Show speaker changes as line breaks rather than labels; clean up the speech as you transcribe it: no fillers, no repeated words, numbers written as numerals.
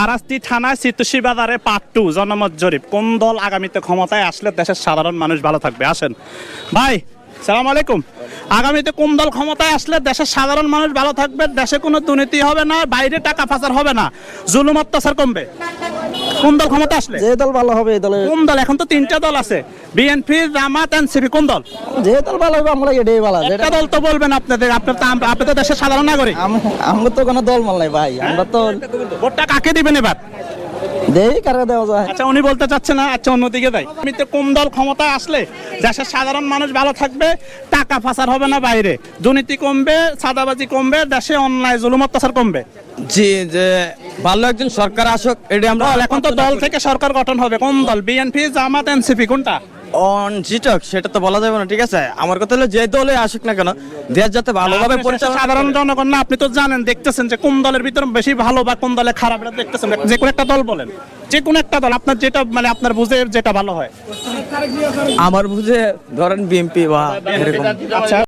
আরাস্তি থানায় চিত্তশী বাজারে পার্ট 2 জনমত জরিপ, কোন দল আগামীতে ক্ষমতায় আসলে দেশের সাধারণ মানুষ ভালো থাকবে? আসেন ভাই, সালাম আলাইকুম। আগামীতে কোন দল ক্ষমতায় আসলে দেশের সাধারণ মানুষ ভালো থাকবে, দেশে কোনো দুর্নীতি হবে না, বাইরে টাকা পাচার হবে না, জুলুম অত্যাচার কমবে? কোন দল ক্ষমতা আসলে?
যে দল ভালো হবে এই দলে।
কোন দল? এখন তো 3টা দল আছে, বিএনপি, জামাত, এনসিপি। কোন দল?
যে দল ভালো হবে আমরা এটাই ভালো।
একটা দল তো বলবেন আপনাদের, আপনি তো দেশের সাধারণ নাগরিক।
আমরা তো কোনো দল মাল নাই ভাই, আমরা তো
ভোটটা কাকে দিবেন এবার?
দেই কারে দেওয়া যায়।
আচ্ছা, উনি বলতে চাচ্ছে না, আচ্ছা অন্যদিকে যাই। আগামীতে কোন দল ক্ষমতায় আসলে দেশের সাধারণ মানুষ ভালো থাকবে, টাকা পাচার হবে না, বাইরে দুর্নীতি কমবে, চাঁদাবাজি কমবে, দেশে অন্যায় জুলুম অত্যাচার কমবে?
জি, যে ভালো একজন সরকার আসুক, এটা আমরা
এখন তো দল থেকে সরকার গঠন হবে, কোন দল? বিএনপি, জামাত, এনসিপি, কোনটা?
অন জিটক সেটা তো বলা যাবে না, ঠিক আছে। আমার কথা হলো যে দলে আসুক না কেন, দেশ যাতে ভালোভাবে পরিচালনা।
সাধারণ জনগণ না, আপনি তো জানেন, দেখতেছেন যে কোন দলের ভিতরে বেশি ভালো বা কোন দলে খারাপ, এটা দেখতেছেন। যে কোনো একটা দল বলেন, যে কোনো একটা দল আপনার যেটা মানে আপনার বুঝে যেটা ভালো হয়।
আমার বুঝে ধরেন বিএনপি বা এরকম।
আচ্ছা,